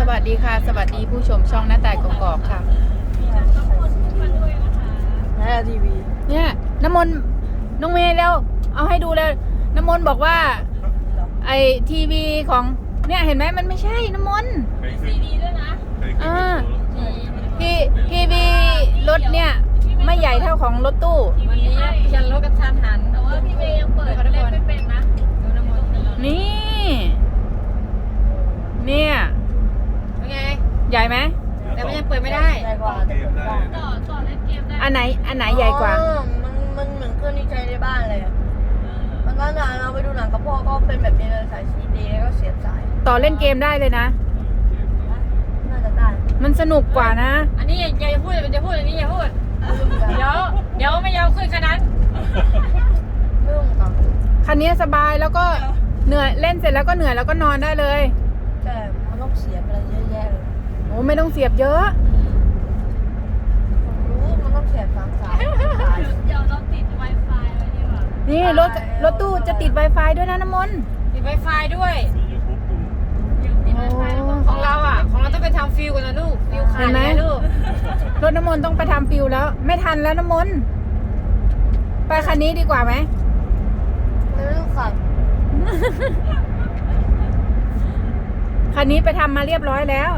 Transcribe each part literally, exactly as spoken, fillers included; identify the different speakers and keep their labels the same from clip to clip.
Speaker 1: วัสดีค่ะสวัสดีผู้ชมช่องหน้าต่ายกอกๆค่ะ
Speaker 2: แม่ทีวี
Speaker 1: เนี่ยน้ำมนต์น้องเมย์แล้วเอาให้ดูเลยน้ำมนต์บอกว่าไอทีวีของเนี่ยเห็นไหมมันไม่ใช่น้ำมนต์ซีดีด้วยนะอ่าทีทีวีรถเนี่ยไม่ใหญ่เท่าของรถตู้
Speaker 2: วันนี้ยันรถกระทันหัน
Speaker 3: แต่ว่าพี่เมย์ยังเปิดเล่นไม่เป็นนะ
Speaker 2: ดูน้ำมัน
Speaker 1: นี่เนี่ย
Speaker 2: เป็นไง
Speaker 1: ใหญ่ไหม
Speaker 2: แต่มันยังเปิดไม่ได้
Speaker 3: ใหญ่กว่าต่อต่อเล่นเกมได้
Speaker 1: อันไหนอันไหนใหญ่กว่า
Speaker 3: มันมันเหมือนเครื่องที่ใช้ในบ้านเลยมันนั้นน่ะเราไปดูหนังกับพ่อก็เป็นแบบนี้เลยสายซีดีแล้วก็เสียบสาย
Speaker 1: ต่อเล่นเกมได้เลยนะ
Speaker 3: น่าจะได้
Speaker 1: มันสนุกกว่านะ
Speaker 2: อันนี้อย่าอย่าพูดอย่าพูดอันนี้อย่าพูดเดี๋ยวเดี๋ยวไม่ยอมขึ้นขนาดนั้น
Speaker 3: ไม่ต้องกับ
Speaker 1: คันนี้สบายแล้วก็เหนื่อยเล่นเสร็จแล้วก็เหนื่อยแล้วก็นอนได้เลย
Speaker 3: แต่มันต้องเสียบอะไรเยอะแยะเลย
Speaker 1: โอ้ไม่ต้องเสียบเยอะ
Speaker 3: ผมรู้มันต้องเสียบสามสายเดี๋ยวเราติด Wi-Fi ไว้ดีกว่า
Speaker 1: นี่รถรถตู้จะติด Wi-Fi ด้วยนะน้ำมนต์
Speaker 2: ติด Wi-Fi ด้วยของเราอ่ะของเราต้องไปทำฟิลกันนะลูกฟิลขายไหมลูก
Speaker 1: รถน้ำมนต์ต้องไปทำฟิลแล้วไม่ทันแล้วน้ำมนต์ไปคันนี้ดีกว่าไหม
Speaker 3: ไม่ต้องขับ
Speaker 1: คันนี้ไปทำมาเรียบร้อยแล้ว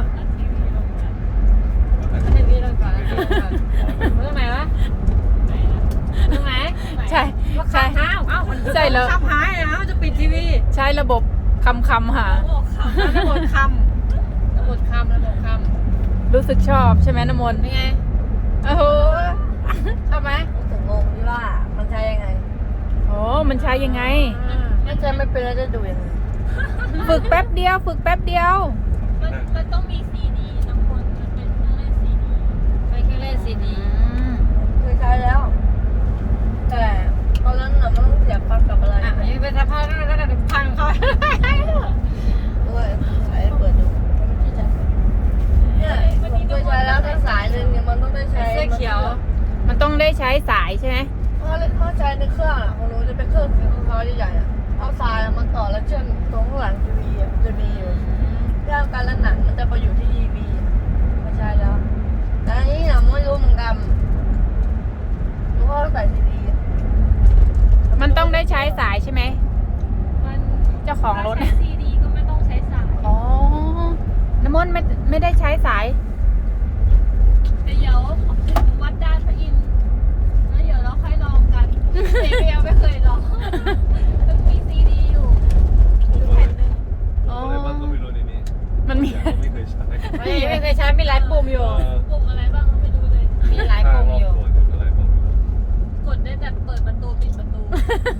Speaker 2: ให้พี่ลงก่อนตรงไหนวะตรงไหน
Speaker 1: ใช่
Speaker 2: ใช่เอ้าเอ้าใช่แล้วขับหายนะจะปิดทีวี
Speaker 1: ใช้ระบบคำคำหา
Speaker 2: ระบบคำระบบคำระบบค
Speaker 1: ำรู้สึกชอบใช่ไหมน้ำมนต์
Speaker 2: เป็นไง
Speaker 1: โอ้โห
Speaker 2: ชอบไหม
Speaker 3: ถึงงงที่ว่ามันใช้ยังไง
Speaker 1: โอ้มันใช้ยังไง
Speaker 3: ไม่ใช่ไม่เป็นแล้วจะดูยังไง
Speaker 1: ฝึกแป๊บเดียวฝึกแป๊บเดียว
Speaker 3: มันมันต้องมีซีดีน้ำมันมันเป็นเครื่องเล่นซีดี
Speaker 2: ไปเครื่องเล่นซีดี
Speaker 3: เคยใช้แล้วแต่ตอนนั้นน่ะมันต้องเสียบปลั๊กกับอะไร
Speaker 2: อ่ะยังเป็นสภาพนั้นแล้วแต่พังเขา
Speaker 3: ด้วยสายเปิดดูเนี่ยเคยใช้แล้วถ้าสายหนึ่งเนี่ยมันต้องได้ใช้
Speaker 2: เสื้อเขียว
Speaker 1: มันต้องได้ใช้สายใช่ไหม
Speaker 3: เพราะเขาใช้ในเครื่องอ่ะของหนูจะเป็นเครื่องสีขาวใหญ่ๆอ่ะเอาสายมันต่อแล้วเชื่อมตรงข้างหลังทีวีอ่ะจะมีอยู่เรื่องการเล่นหนังมันจะไปอยู่ที่ทีวีไม่ใช่แล้วแต่อันนี้เนี่ยไม่รู้เหมือนกันหนูก็ใส่ซีดี
Speaker 1: มันต้องได้ใช้สายใช่ไหมเจ้าของรถ
Speaker 3: ใช้ซีดีก็ไม่ต้องใช้สาย
Speaker 1: อ๋อน้ำมนต์ไม่ไม่ได้ใช้สาย
Speaker 3: เดี๋ยววัดด้านพระอินทร์แล้วเดี๋ยวเราค่อยลองกันเจ๊ยังไม่เคยลองต้องมีซีดีอยู่แผ่นหนึ่ง
Speaker 1: อ๋อมันมี
Speaker 2: ไม่เคยใช้ไม่เคยใช้มีหลายปุ่มอยู่
Speaker 3: ปุ่มอะไรบ้างก็ไม่รู้เลย
Speaker 2: มีหลายปุ่มอยู่
Speaker 3: กดได้แต่เปิดประตูปิดประตู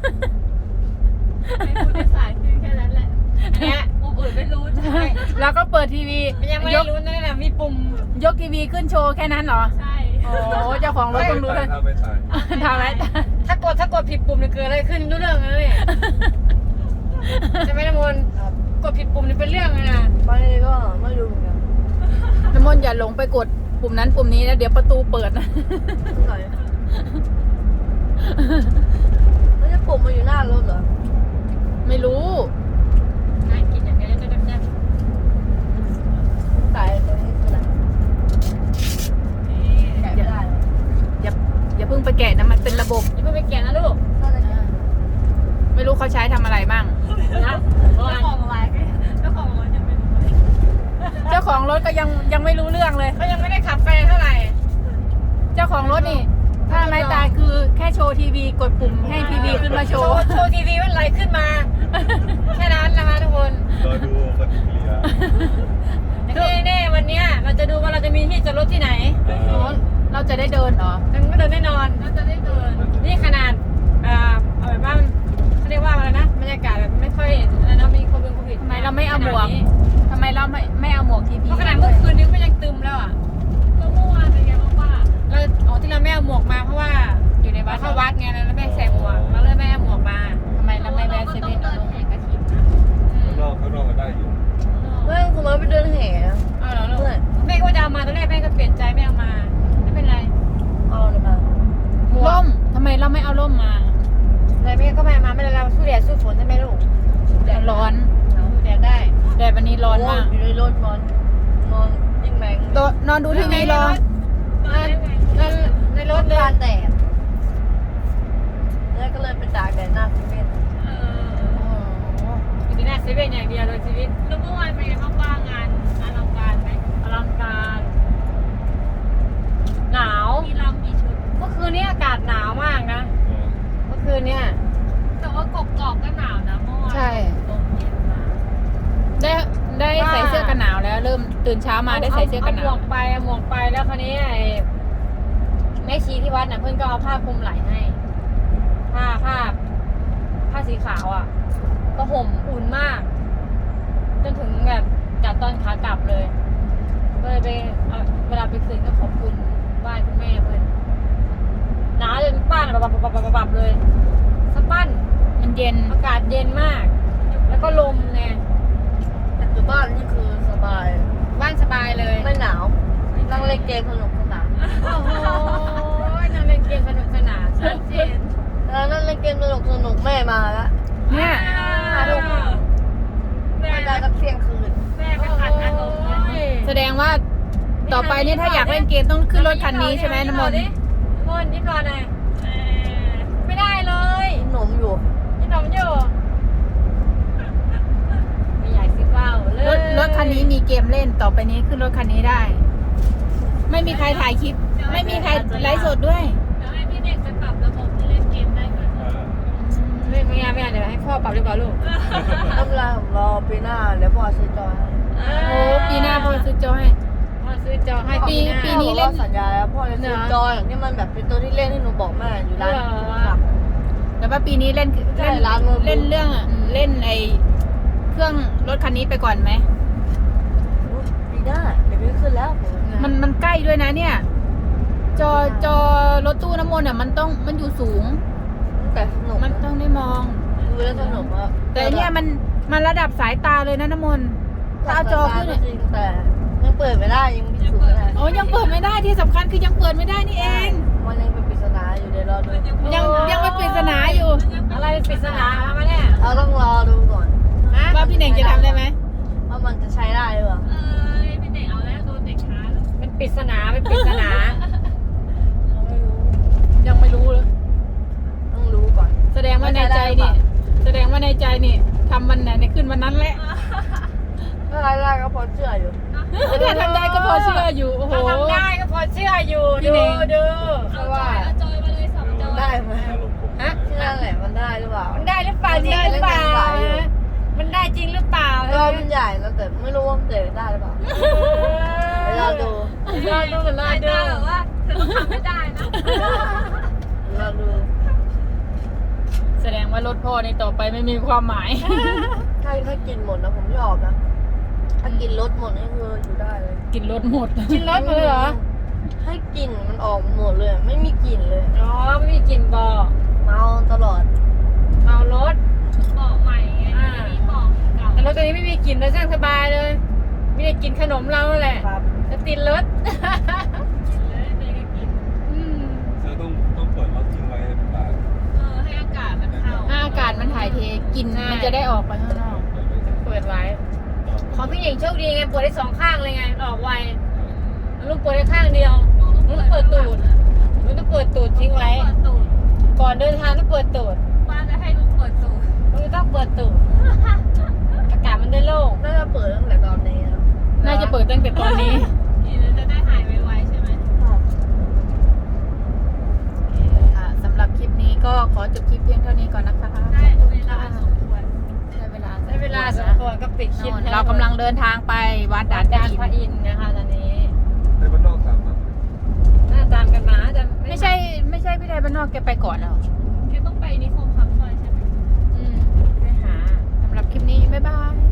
Speaker 3: ไม่รู้ได้สายคือแค่นั้นแหละ
Speaker 2: เนี่ย
Speaker 3: ปุ่มอื่นไม่รู้ใช่
Speaker 1: แล้วก็เปิดทีวี
Speaker 2: ยังไม่รู้นั่นแหละมีปุ่ม
Speaker 1: ยกทีวีขึ้นโชว์แค่นั้นเหรอ
Speaker 3: ใช่
Speaker 1: โอ้เจ้าของรถต้องรู้เลยทำไหม
Speaker 2: ถ้ากดถ้ากดผิดปุ่มเนี่ยเกิดอะไรขึ้นรู้เรื่องเลยใช่ไหมน้ำมนต์กดผิดปุ่มนี่เป็นเรื่องเลยนะ
Speaker 3: ไปก็ไม่รู้เหมือนกัน
Speaker 1: น้ำมนต์อย่าหลงไปกดปุ่มนั้นปุ่มนี้นะเดี๋ยวประตูเปิดนะ
Speaker 3: ไม่ใช่ปุ่มมันอยู่หน้ารถเหรอ
Speaker 1: ไม่รู้
Speaker 2: น่ากินอย่างนี้จะจะ
Speaker 3: สายตรงนี้คืออะไรแกะไม่ได้
Speaker 1: อย่าอย่าเพิ่งไปแกะนะมันเป็นระบบ
Speaker 2: อย่าเพิ่งไปแกะนะลูก
Speaker 1: ไม่รู้เขาใช้ทำอะไรบ้าง
Speaker 3: นะเจ้าของอะไรเจ้าของรถยังไม่รู้
Speaker 1: เจ้าของรถก็ยังยังไม่รู้เรื่องเลย
Speaker 2: เขายังไม่ได้ขับไปเท่าไหร่
Speaker 1: เจ้าของรถนี่ถ้าไม่ตายคือแค่โชว์ทีวีกดปุ่มให้ทีวีขึ้นมาโชว์
Speaker 2: โชว์ทีวีมันไหลขึ้นมาแค่นั้นนะคะทุกคน
Speaker 4: รอดูปฏิกิริยา
Speaker 2: แน่ๆวันนี้เราจะดูว่าเราจะมีที่จอดรถที่ไหน
Speaker 1: เราจะได้เดินเหรอ
Speaker 2: มันก็เดินแน่นอน
Speaker 3: เราจะได้เดิน
Speaker 2: นี่ขนาดอ่าเอาแบบว่าเขาเรียกว่าอะไรนะบรรยากาศแบบไม่ค่อยอะไรนะมีโควิดโควิด
Speaker 1: ทำไมเราไม่เอาหมวกทำไมเราไม่ไม่เอาหมวกทีวี
Speaker 2: เพราะขนาดเมื่อคืนนี้ก็ยังตึมแล้วอ่ะ
Speaker 3: ก็เมื่อวานเป็นไงบ้างว่า
Speaker 2: เราอ๋อที่เราไม่เอาหมวกมาเพราะว่าอยู่ในวัดเข้าวัดไงแล้วไม่ใส่หมวกเราเลยไม่เอาหมวกมา
Speaker 1: ทำไมเราไม่แวะเซเว่น
Speaker 3: เดินแห่กระถิ่นนะ
Speaker 4: ข้างนอกข้างนอกก็ได้อยู่
Speaker 3: ไม่คุณมาไปเดินแห่
Speaker 2: อ๋อเหรอลูกแม่ก็จะเอามาตอนแรกแม่ก็เปลี่ยนใจไม่เอามาไม่เป็นไร
Speaker 3: เอาเลยมา
Speaker 1: ร่มทำไมเราไม่เอาร่มมา
Speaker 2: อะไรแม่ก็ไม่มาไม่ได้เราสู้แดดสู้ฝนใช่ไหมลูก
Speaker 1: แดดร้อน
Speaker 2: สู้แดดได้
Speaker 1: แดดวันนี้ร้อนมาก
Speaker 3: อยู่ในรถร้อนนอนยิ่งแรง
Speaker 1: โตะนอนดูทีวีรอ
Speaker 2: ในในร
Speaker 3: ร
Speaker 2: ถ
Speaker 3: ถ
Speaker 2: เลย
Speaker 3: ทานแดดแล้วก็เลยไปตากแดดหน้าคุณเม่น
Speaker 2: อยู่ที่หน้าเซเว่นอย่างเดียวเลยชีวิต
Speaker 5: แล้วเมื่อวานเป็นไงบ้างว่างงานอลังการไหม
Speaker 2: อลังการหนาว
Speaker 5: มีลำมีชุด
Speaker 2: เมื่อคืนนี้อากาศหนาวมากนะ เมื่อคืนเนี่ย
Speaker 5: แต่ว่ากกอกก็หนาวนะเมื่อวาน
Speaker 1: ใช่
Speaker 5: ลมเย็นมา
Speaker 1: ได้ได้ใส่เสื้อกันหนาวแล้ว เริ่มตื่นเช้ามาได้ใส่เสื้อกันห
Speaker 2: หม
Speaker 1: นาว
Speaker 2: วกไปเอาหมวกไปแล้วคราวนี้ไอ้แม่ชีที่วัดน่ะเพื่อนก็เอาผ้าคลุมไหล่ให้ ผ้าผ้าผ้าสีขาวอ่ะ ก็ห่มอุ่นมาก จนถึงแบบจัดตอนขากลับเลยก็เลยไปเอาเวลาไปคืนก็ขอบคุณไหว้คุณแม่เพื่อนหนาวจนป้านอะบับบับบับบับบับเลยสะปั้น
Speaker 1: มันเย็น
Speaker 2: อากาศเย็นมาก แล้วก็ลมไง
Speaker 3: แต่อยู่บ้านนี่คือสบาย
Speaker 2: บ้านสบายเลย
Speaker 3: ไม่หนาวนั่งเล่นเกมสนุกสนาน
Speaker 2: โอ้โหนั่งเล่นเกมสนุกสนาน
Speaker 5: ชัดเจน
Speaker 3: แล้วนั่งเล่นเกมสนุกสนุกแม่มาแล้ว
Speaker 1: เนี่ย
Speaker 3: ห้าทุ่ม
Speaker 5: แม่
Speaker 3: ไม่ได้สักเที่ยงคืน
Speaker 5: แม่ไม่ขัดอารมณ์เลย
Speaker 1: แสดงว่าต่อไปเนี่ยถ้าอยากเล่นเกมต้องขึ้นรถคันนี้ใช่ไหมน้ำมนต์
Speaker 2: น้ำมนต์ยิ้มรอหน่อย
Speaker 5: เอ่อ
Speaker 2: ไม่ได้เลย
Speaker 3: กินขนมอยู่
Speaker 2: ยิ้มหนมอยู่ไม่อยากซิเบ้าเลย
Speaker 1: รถรถคันนี้มีเกมเล่นต่อไปนี้ขึ้นรถคันนี้ได้ ไม่มีใครถ่ายคลิป ไม่มีใครไลฟ์สดด้วย
Speaker 5: เดี๋ยวให้พี่เด็กไปปรับระบบที่เล่นเกมได้ก่อน
Speaker 2: ไม่ไม่เอาไม่เอาเดี๋ยวให้พ่อปรับดีกว่าลูก
Speaker 3: น้ำลายผมรอปีหน้าเดี๋ยวพ่อซื้อจอยให้
Speaker 1: โอ้ปีหน้าพ่อซื้อจอให้
Speaker 2: พ่อซื้อจอให้
Speaker 1: ปี
Speaker 2: หา
Speaker 1: ปีนี้เล่น
Speaker 3: พ่อบอกว่าสัญญาแล้วพ่อจะซื้อจอยอย่างที่มันแบบเป็นตัวที่เล่นให้หนูบอกแม่อยู่ร้าน
Speaker 2: เหรอ
Speaker 3: ครับ
Speaker 1: แต่ว่าปีนี้เล่น
Speaker 3: ใช่
Speaker 1: เล่น
Speaker 3: ร้านมือถือ
Speaker 1: เล่นเรื่องอะเล่นไอเครื่องรถคันนี้ไปก่อนไหม
Speaker 3: ปีหน้าเดี๋ยวไม่ขึ้นแล้วผม
Speaker 1: มันมันใกล้ด้วยนะเนี่ย จอจอรถตู้น้ำมนต์อ่ะมันต้องมันอยู่สูง
Speaker 3: แต่สนุก
Speaker 1: มันต้องได้มอง
Speaker 3: ดูแล้วสนุกอะ
Speaker 1: แต่อันเนี่ยมันมันระดับสายตาเลยนะน้ำมนต์ถ้าเอาจอขึ้น
Speaker 3: ก็
Speaker 1: เนี่ย
Speaker 3: จริงแต่ยังเปิดไม่ได้ยังพิสูจน์ไม่ได้
Speaker 1: โอ้ยังเปิดไม่ได้ที่สำคัญคือยังเปิดไม่ได้นี่เอง
Speaker 3: มันยังเป็นปริศนาอยู่เดี๋ยวรอดู
Speaker 1: ยังยังไม่ปริศนาอยู่
Speaker 2: อะไรปริศนามาเนี่ย
Speaker 3: เราต้องรอดูก่อน
Speaker 2: ฮะ
Speaker 1: ว่าพี่เน่งจะทำได้ไหม
Speaker 3: ว่ามันจะใช้ได้หรือเปล่า
Speaker 5: เออพี่เด็กเอาแล้วโดนเด็กช้าแล้ว
Speaker 2: เป็นปริศนาเป็นปริศนา
Speaker 3: เราไม่รู้
Speaker 1: ยังไม่รู้เลย
Speaker 3: ต้องรู้ก่อน
Speaker 1: แสดงว่าในใจนี่แสดงว่าในใจนี่ทำวันไหนในขึ้นวันนั้นแหละ
Speaker 3: ถ้าใช้ได้ก็พอเชื่ออยู่
Speaker 1: ถ้าทำได้ก็พอเชื่ออยู่โอ้โห
Speaker 2: ถ้าทำได้ก็พอเชื่ออยู่
Speaker 1: พี่
Speaker 2: ดู
Speaker 1: เน่ง
Speaker 2: ดู
Speaker 5: เอาจอยเอาจอยมาเลยสองจอย
Speaker 3: ได้ไหม
Speaker 2: ฮะ
Speaker 3: ที่นั่นแหละมันได้หรือเปล่า
Speaker 2: มันได้หรือเปล่าจริงหรือเปล่ามันได้จริงหรือเปล่า
Speaker 3: ก็มันใหญ่นะแต่ไม่รู้ว่ามันเตะได้หรือเปล่าเดี๋ยวรอดู
Speaker 2: รอดูกันรอ
Speaker 5: สาย
Speaker 2: ดู
Speaker 5: ตาแบบว่าเธอต้องทำไม่ได้นะ
Speaker 3: เดี๋ยวรอดู
Speaker 1: แสดงว่ารถพ่อในต่อไปไม่มีความหมาย
Speaker 3: ถ้าถ้ากินหมดนะผมชอบนะถ้ากินรสหมดนี่คืออยู่ได้เลย
Speaker 1: กินรถหมด
Speaker 2: กินรถมาเลยเหรอ
Speaker 3: ให้กลิ่นมันออกหมดเลยไม่มีกลิ่นเลย
Speaker 2: อ๋อไม่มีกลิ่นบ่อ
Speaker 3: เมาตลอด
Speaker 2: เมารถ
Speaker 5: บอกใหม่ไงไม่มีบอกเก่า
Speaker 2: แต่รถตัวนี้ไม่มีกลิ่นเลยช่างสบายเลยมีแต่กลิ่นขนมเราแหละ
Speaker 3: ครับ
Speaker 2: จะติดรถ
Speaker 5: เลยเด็กก็กิน
Speaker 2: อืม
Speaker 4: เธอต้องต้องเปิดรถทิ้งไว้ให้ตาก
Speaker 5: เออให้อากาศมันเข้า
Speaker 1: ถ้าอากาศมันถ่ายเทกลินมันจะได้ออกไปข้างนอก
Speaker 4: เปิดไว้
Speaker 2: เปิดไว้ของพี่หญิงโชคดีไงเปิดได้สองข้างเลยไงออกไวลูกเปิดได้ข้างเดียวลูกเปิดตูดลูกต้องเปิดตูดทิ้งไว้
Speaker 5: เปิดตูด
Speaker 2: ก่อนเดินทางต้องเปิดตูด
Speaker 5: ป้าจะให้ลูกเปิดตูด
Speaker 2: ลูกต้องเปิดตูดอากาศมันได้โล่ง
Speaker 3: น่าจะเปิดตั้งแต่ตอนนี้นะ
Speaker 1: น่าจะเปิดตั้งแต่ตอนนี้
Speaker 5: กินแล้วจะได้หายไวๆใช่ไหม
Speaker 1: ค่ะสำหรับคลิปนี้ก็ขอจบคลิปเพียงเท่านี้ก่อนนะคะ
Speaker 5: ได้เวลาสมควร
Speaker 1: ได้เวลา
Speaker 2: ได้เวลาสมควรก็ปิดคลิป
Speaker 1: เรากำลังเดินทางไปวัดด่าน
Speaker 2: ดาน
Speaker 1: อิ
Speaker 2: พระ
Speaker 1: น
Speaker 2: อินทร์นะคะตอนนี้
Speaker 4: ในบ้านนอกสามอ่ะ
Speaker 2: หน้าตามกันมาจะ
Speaker 1: ไม่ใช่ไม่ใช่พี่ไทยบ้านนอกแกไปก่อนแล้ว
Speaker 5: แกต้องไปนิคมคำซอยใช่ไหม
Speaker 1: อืม
Speaker 2: ไปหา
Speaker 1: สำหรับคลิปนี้ บ๊ายบาย